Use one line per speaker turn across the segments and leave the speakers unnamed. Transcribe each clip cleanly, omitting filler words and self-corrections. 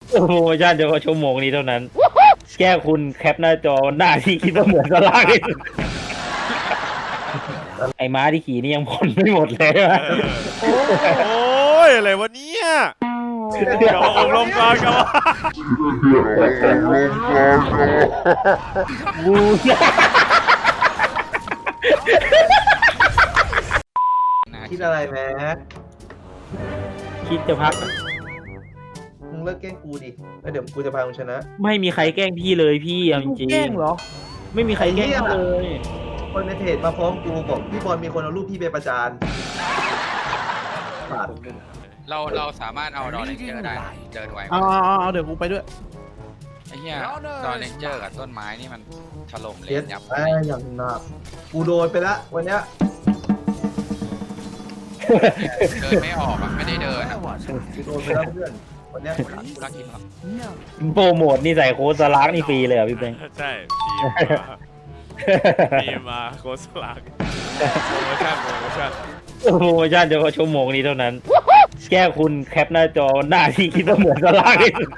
โปรโมชั่นเฉพาะชั่วโมงนี้เท่านั้นแค่คุณแคปหน้าจอหน้าที่คิดว่าเหมือนสลากที่สุดไอ้ม้าที่ขี่นี่ยังผ่อนไม่หมดเลยว่ะ
โอ้ยอะไรวะเนี่ยเดี๋ยวอบรมก่อนครับ
บู
คิดอะไรแม็ก
คิดจะพัก
มึงเลิกแกล้งกูดิแล้วเดี๋ยวกูจะพามึงชนะ
ไม่มีใครแกล้งพี่เลยพี่เอาจริง
แกล้งเหรอ
ๆไม่มีใครแกล้งพี่เลย
คนในเพจมาฟ้องกูบอกพี่บอลมีคนเอารูปพี่ไปประจานปาด
เราสามารถเอาดอเลนเจอร์ได้เดินไว
เอาเดี๋ยวกูไปด้วย
ไอ้เหี้ยดอเลนเจอร์กับต้นไม้นี่มันถล่มเล
เย็ด
นยับ
ไอ้อย่างหนักกูโดนไปละวันเนี้ย
เดินไม่ออกอ่ะไม่ได้เดินอ่ะ
กูโดนไปแล้วเพื่อนวันเนี้ย
รักกินหรอ
โปรโมทนี่ใส่โค้ดสลากนี่ฟรีเลยเหรอพี่แบงค์
ใช่ทีมมาโค้ชลากโปรโมชั่น
โปรโมชั่นเฉพาะชั่วโมงนี้เท่านั้นแค่คุณแคปหน้าจอหน้าที่คิดว่าเหมือนสลากที่สุด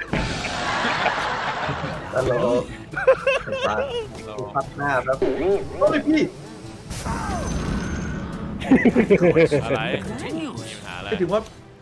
ตลกปาดกูพับหน้าแล้วโอ้ยพี่
อะไรมีปัญหาอะไร
ไม่ถึงว่า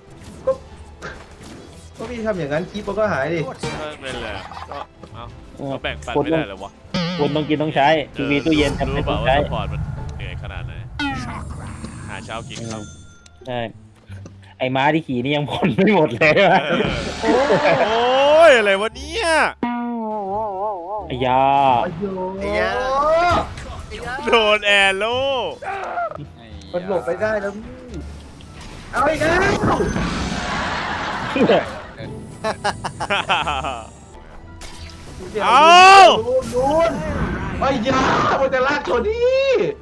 ก็พี่ทำอย่างนั้นคลิปมันก็หายดิ
เป็นเลยก็แบ่งปันไม่ได้เลยวะ
คุณต้องกินต้องใช้ทีวีตู้เย็นทำ
รู้
ให้
เป
ต้
ล่า
อง
ว่า
ใช้
สปอร์ตมันเหนื่อยขนาดไหนหาเช้ากินครับ
ใช่ไอ้ม้าที่ขี่นี่ยังผ่อนไม่หมดเลยว่ะ
โอ้ยอะไรวะเนี่ย
ไอ้ยา
ไอ้ยา
โดนแอร์โล
มันหลบไปได้แล้วพี่เอาอีกแล้วนูนไอ้ยามันจะลากชนนี่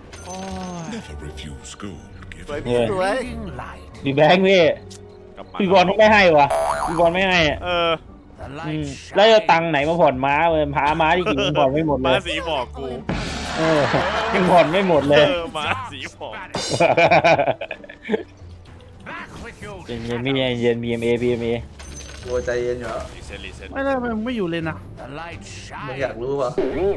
สวยพี่สวย
พี่แบงค์พี่บอลไม่ให้วะพี่บอลไม่ให้อะ แล้วจะตังค์ไหนมาผ่อนม้าเลยพาม้าที่ขี่มันผ่อนไม่หมดเล
ม้าย สีหมอกกู
ยังผ่อนไม่หมดเลย
ม้าสีหมอก
เย็นๆพี่เย็น BMA
ตัวใจเย็นอยู่
รีเซ็ต
ไม่ได้มึงไม่อยู่เลยนะ
มึงอยากรู้ป่ะ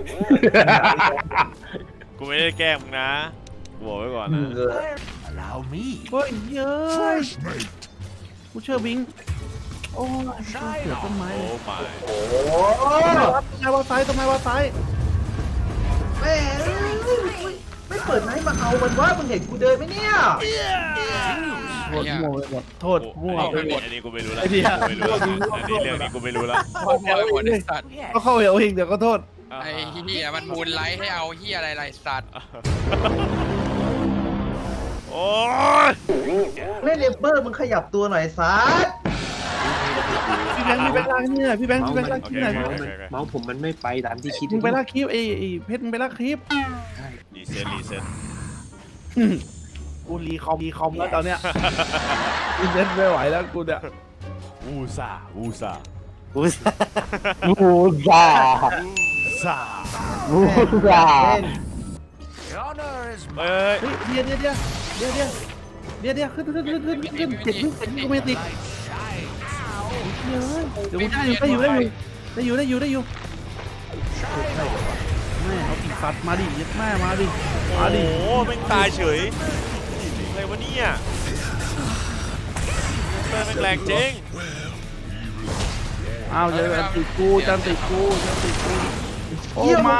กูไม่ได้แกล้งมึงนะกูบอกไว้ก่อนนะ
เออ
เฮ้ยเย้ยกูเชื่อบิงโอ้ยเสือต้นไม้
โอ้ไม่
โอ้
ต้นไม้ว่าซ้ายต้นไม้ว่าซ้าย
แม่ไม่เปิดไนท์มาเอามันว่ามึงเห็นกูเดินไหมเนี่ย
โทษมั่วไปหมดโทษมั่วไปหมด
อันนี้กูไม่รู้ละ
ไอ้เหี้ย
กูไม่รู้ละอันนี้เรื่องนี้กูไม่รู้ละ
หมดไอ้สัตว์
ก็เข้าเอาเองเดี๋ยวก็โทษ
ไอ้เหี้ยมันมูลไลท์ให้เอาเหี้ยอะไรสัตว์
โอ้ย
เล่นเลเบอร์มึงขยับตัวหน่อยซัด
พี่แบงค์ลากนี่หน่อยพี่แบงค์ลาก
โอ
คลิ
เค
ปหน่อย
โอเค
เมาส์ผมมันไม่ไปตามที่คิด
มึงไปลากคลิปไอ้เพชรมึงไปลากคลิป
รีเซ็ต
กูรีคอมแล้วตอนเนี้ยกูเล่นไม่ไหวแล้วกูเนี่ย
อูซา
บูซา
อูซา
บูซา
เอ้ย
เฮ้ยเดี๋ยวขึ้นเจ็ดลูกกูไม่ติดเดี๋ยวกูได้อยู่แม่เอาปีกฟัดมาดิยัดแม่มาดิ
โอ้โหแม่งตายเฉยอะไรวะเนี่ยแม่งแรงจริง
อ้าวจะติดกูโอ้มา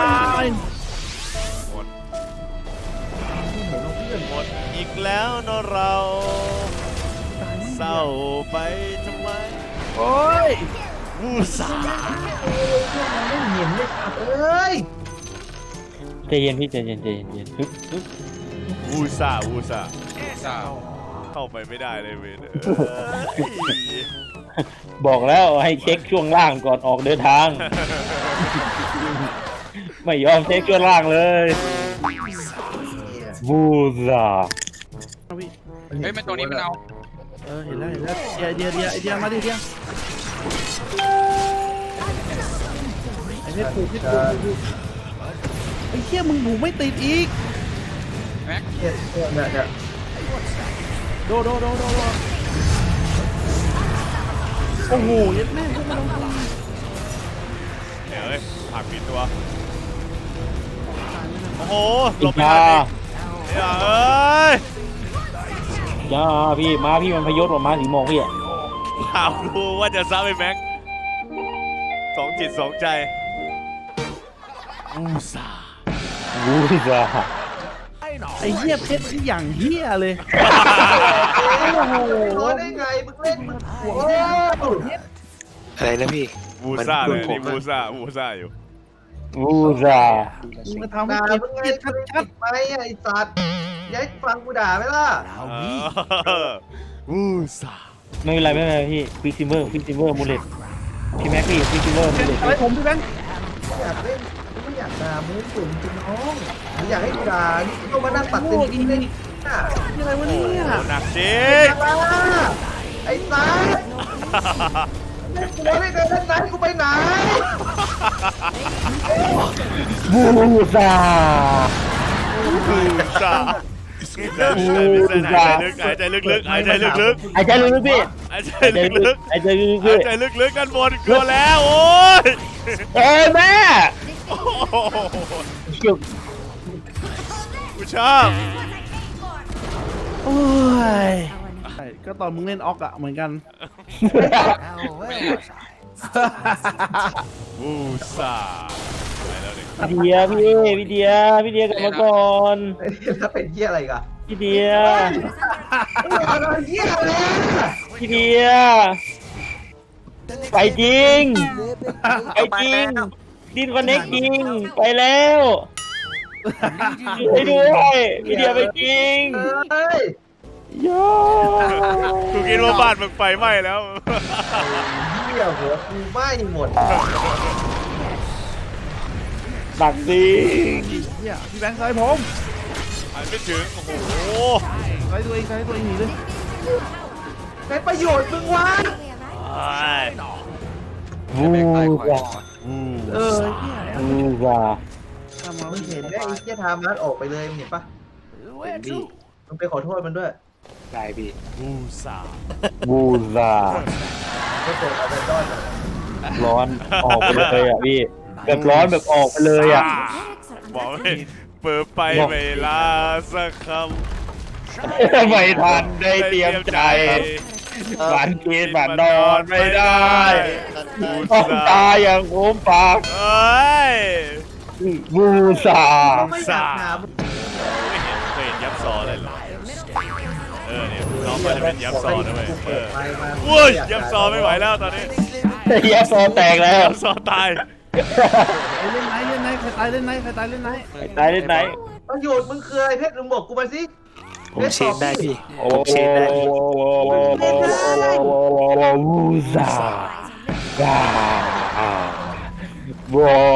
หมดอีกแล้วเนอะเราเศร้าไปทำไม
โอ้ย
อูซา
ไม่เห็นเลยครับเอ้ย
ใจเย็นพี่ใจเย็นฮึบ
อูซา
สาว
เข้าไปไม่ได้เลยเว้ย
บอกแล้วให้เช็คช่วงล่างก่อนออกเดินทาง ไม่ยอมเช็คช่วงล่างเลยบูซา
เฮ้ยมันตัวนี้มันเอา
เห็นแล้วเดียวมาดิเดียวไอ้เพชรผูกไอ้เหี้ยมึงผูกไม่ติดอีก
แม็ก
เนี่ย
โดโอ้โหยัดแม่งพวกมัน
ตัวโอ้โหหลบไม่ทันอีกอย่าเอ้ย
จ้าพี่ม้าพี่มันพยศกว่าม้าสีโมงพี่อะ
ถามกูว่าจะซ้ำไอ้แม็กสองจิตสองใจอูซา
วูซ่า
ไอ้เหี้ยเพชรที่อย่างเหี้ยเลย
โอ้โหร้อยได้ไงมึงเล่นมึงโอ้โห
อะไรนะพี่
บูซ่าเลยนี่บูซ่าอยู่
วูซ่า
มึงมาทำให้
ด่า
เก็บ
มึงไง
เกียรติชัด
ไปไอ้สัตว์อยัยฟังกูด่าไหมล่ะ
บูซ่า
ไม่เป็นไรไม่เป็นไรพี่ควิกซิเวอร์มูเลตพี่แม็กพี่ควิกซิเวอร์มูเลต
ๆอะไรผมพี่แบงค์
อยากเล่นไม่อยากด่ามึงสุ่มจริงน้องมึงอยากให้กูด่านี่ก็มานั่งตัดสินจริงเลยน่ะ
นี่อะไรวะเนี่ย
หนักจริง
ไอ้สัตว์เล่นกูไม่เคยเล่นไหนกูไปไหน
วูซ่า
บูซ่าหายใจลึกๆหายใจลึกๆ
ไอ้ใจลึกๆพี่
หายใจลึกๆ
ไอ้ใจลึกๆ
หา
พี่
ยใจลึกๆกันหมดกลัวแล้วโอ้ย
เอ้ยแม่
โอ้โห
เกี่ยว
กูชอบ
โอ้ยใช่ก็ตอนมึงเล่นออกอะเหมือนกัน
บูซ่าไปแล้วดิ
พี่เดียพี่เดียกลับมาก่อน
แล้วเป็นเหี้ยอะไรกัน
พี่เดีย
อะไรเหี้ยอะไร
พี่เดียไปจริงไปจริงดินคอนเน็กจริงไปแล้วไปด้วยพี่เดียไปจริง
เฮ้ย
โย่
กูคิดว่าบ้านมึงไฟไหม้แล้ว
เหี้ยหัวกูไหม้หมด
ตักจริง
เหี้ยพี่แบงค์ใส่ผม
หันไม่ถึง โอ้โห
ใส่ตัวเองหนีเลย
เป็นประโยชน์มึงวะ
วูซ่า
เออเหี้ย
วูซ่า
ทำมา
มึงเห็นไหมไอ้เหี้ยทามัสออกไปเลยมึงเห็นปะ
เป็นพี่
มึงไปขอโทษมันด้วย
ได้พี่
บูซ่า
วูซ่า
ก็เจอเอาไปด้อนอะ
ร้อนออกไปเลยอ่ะพี่แบบร้อนแบบออกไปเลยอ่ะ
บอกไม่เปิดไปไม่ลาสักคำ
ไม่ทันได้เตรียมใจฝันกินฝันนอนไม่ได้ต้องตายอย่างโคมปาก
เอ้ย
วูซ่า
ไม่อยากถาม
ไม่เห็นเคยเห็นยับซอเลยเหรอเนี่ยน้องมันจะเป็นยับซอนะเว้ยอุ้ยยับซอไม่ไหวแล้วตอนนี้
เฮียโซแตกแล้ว
ยับซอตาย
เล่นไหนใครตายเล่นไหน
ตายเล่นไหน
ประโยชน์มึงคืออะไรเพชรมึงบอกกูมาสิ
ผมเช็คได้พี่
โอ้
ผมเช็คได้พี่
วูซ่าว้าวู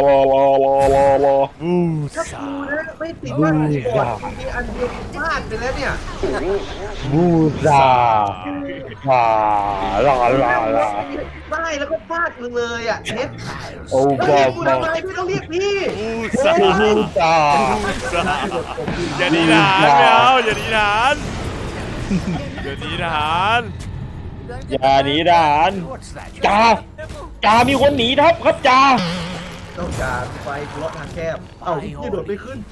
ถ้ากูนะไม่ติดว่าบอดมีอันเดียวพลาดไปแล้วเนี่ย
วูซ่าว้าลาลาลา
ได้แล้วก็พลาดมึงเลยอ่ะเพชร
โอ้
แล้ว
บอ
เรีย
บ
กกูทำไมไม่ต้องเรียกพี่
บูซ่า
วูซ่า
อย่าหนีทหารไม่เอาอย่าหนีทหารอย่าหนีทหาร
อย่าหนีทหารจ่ามีคนหนีทัพครับจ่า
ต้องการไฟกูล็อกทางแคบเอ้าพี่โดดไม่ขึ้น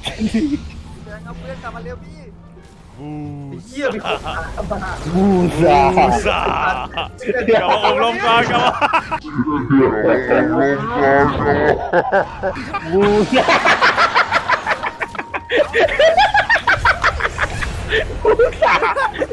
บู
เหี้ยมีคนบ้า
วูซ่า
ซ่ากลับมาอบรมก่อนกลับมา
วูซ่าวูซ่า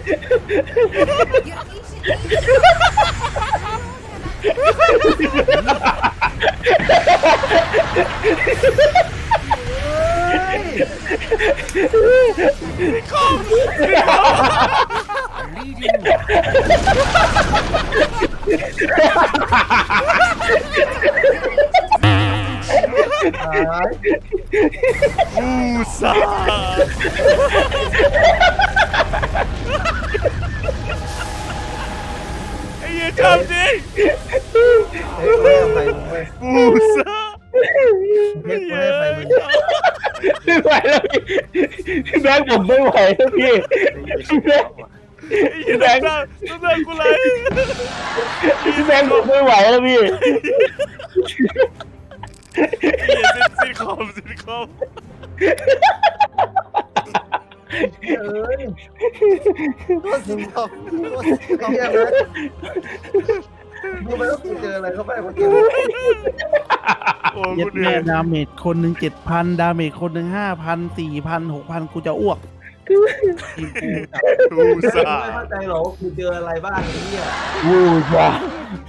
ตาย
บูซ่าไอ้เหี้ยทำจริง
เฮ้ยกูให้อภัยมึงเว้ย
บูซ่า
เพชรกูให้อภัยมึง
ไม่ไหวแล้วพี่แบงค์ผมไม่ไหวแล้วพี่พี่แบงค์
ไอ้เหี้ยน้ำตากูไหล
พี่แบงค์ผมไม่ไหวแล้วพี่
เหี้ยคอมซิทคอม
เอ้ยก็สิงคอมก็สิงคอมเนี่ยนะดูไปแล้วกูเจออะไรเข้าไปเมื่อกี้
โอ้
เย็
กู
ด
เหนื่
แม่
อย
ดาเมจคนหนึ่ง7,000 ดาเมจคนหนึ่ง5,000 4,000 6,000 กูจะอ้วกทีมกูจับ
กูสา
ไม่เข้าใจหรอกกูเจออะไรบ้างเนี่ย
วูจ้า